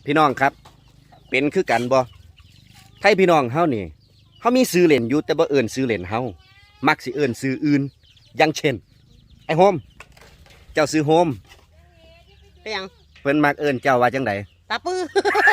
พี่น้องครับเป็นคือกันบ่ไทยพี่น้องเฮานี่เฮามีซื้อเล่นอยู่แต่บ่เอิ้นซื้อเล่นเฮามักสิเอิ้นซื้ออื่นอย่างเช่นไอ้โฮมเจ้าซื้อโฮมเป็นหยังเพิ่นมักเอิ้นเจ้าว่าจังไดตาปื้อ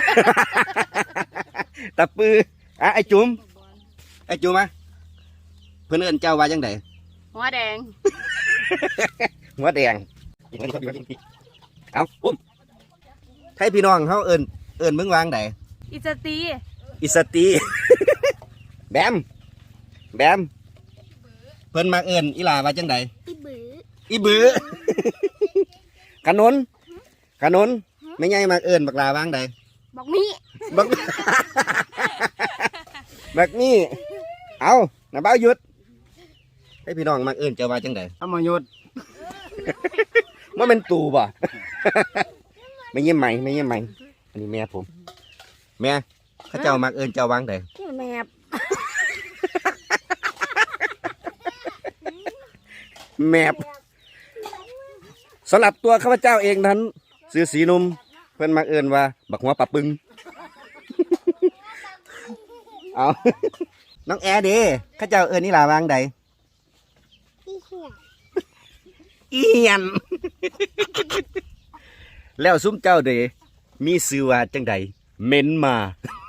ตะปืออ่ะไอ้จุ๋มอ่ะเพิ่นเอิ้นเจ้าว่าจังไดหัวแดงหัวแดงเอาอุ้มไทยพี่น้องเฮาเอิ้นมึงวางไดอิสตีอิสตี แบมเพิ่นมักเอิ้นอีหลาว่าจังได อีบือ ขนุนไม่ใหญ่มากเอิญบักลาวางใดบอกมีบัก บักนี่เอาน้าเบ้าหยุดให้พี่น้องมากเอิญเจ้าว่าจังใดธรรมยุทธว่าเป็นตูบ่ ไม่เยี่ยมไหมอันนี้แม่ผมแม่ข้าเจ้ามากเอิญเจ้าวางใดแมบแมบสำหรับตัวข้าพเจ้าเองนั้นซื้อสีนุ่มเพิ่นมากเอิญว่าบักหัวปลาปึง เอาน้องแอร์เด้ข้าเจ้าเอิญนี่ลาวางใดเอียน แล้วซุ้มเจ้าเด้มีซื้อว่าจังใดเม้นมา